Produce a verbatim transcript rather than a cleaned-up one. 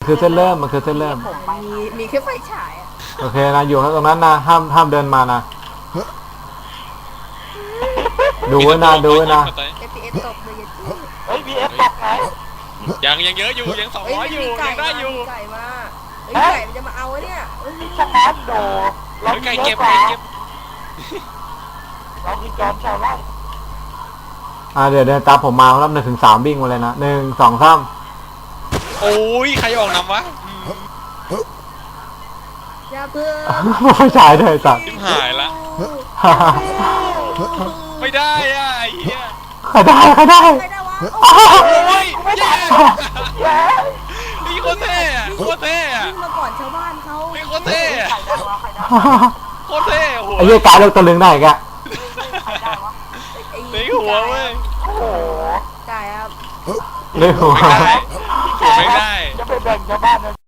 คือเส้นเริ่มมันคือเส้นเริ่มมีมีแค่ไฟฉายอะโอเคนะอยู่ตรงนั้นนะห้ามห้ามเดินมานะดูไว้นะดูไว้นะเอฟพีเอสตกเลยยัดจี้เฮ้ยบีเอฟตกไงยังยังเยอะอยู่ยังสองเฮ้ยร้อยมันอยู่มีไก่ยังได้มาอยู่มีไก่มาเฮ้ยไก่มันจะมาเอาไอ้เนี่ยเอ้ยสแตนโดเราเฮ้ยไก่เยเก็บอะกว่าไก่เก็บเรามีจอมชาวไร่อ่าเดี๋ยวเดินตามผมมาครับหนึ่งถึงสามวิ่งมาเลยนะหนึ่งสองสามโอ้ยใครออกนำวะอย่าเพิ่งไม่ใช่เลยสัตว์ทิมหายละไม่ได้อ่ะไอ้เหี้ยใครได้ใครได้ใครได้วะโอ้ยไม่ได้แย่แย่นี่โคตรเท่อะโคตรเท่อะวิ่งมาก่อนชาวบ้านเขานี่โคตรเท่อะใครได้วะใครได้โคตรเท่โอ้โหไอ้เหี้ยกายเลือกตัวลึงได้อีกอะใครได้วะไอ้ตีหัวเว้ยโอ้โหไก่ครับเลือกหัวไม่ได้หัวไม่ได้จะไปแบ่งชาวบ้านนะ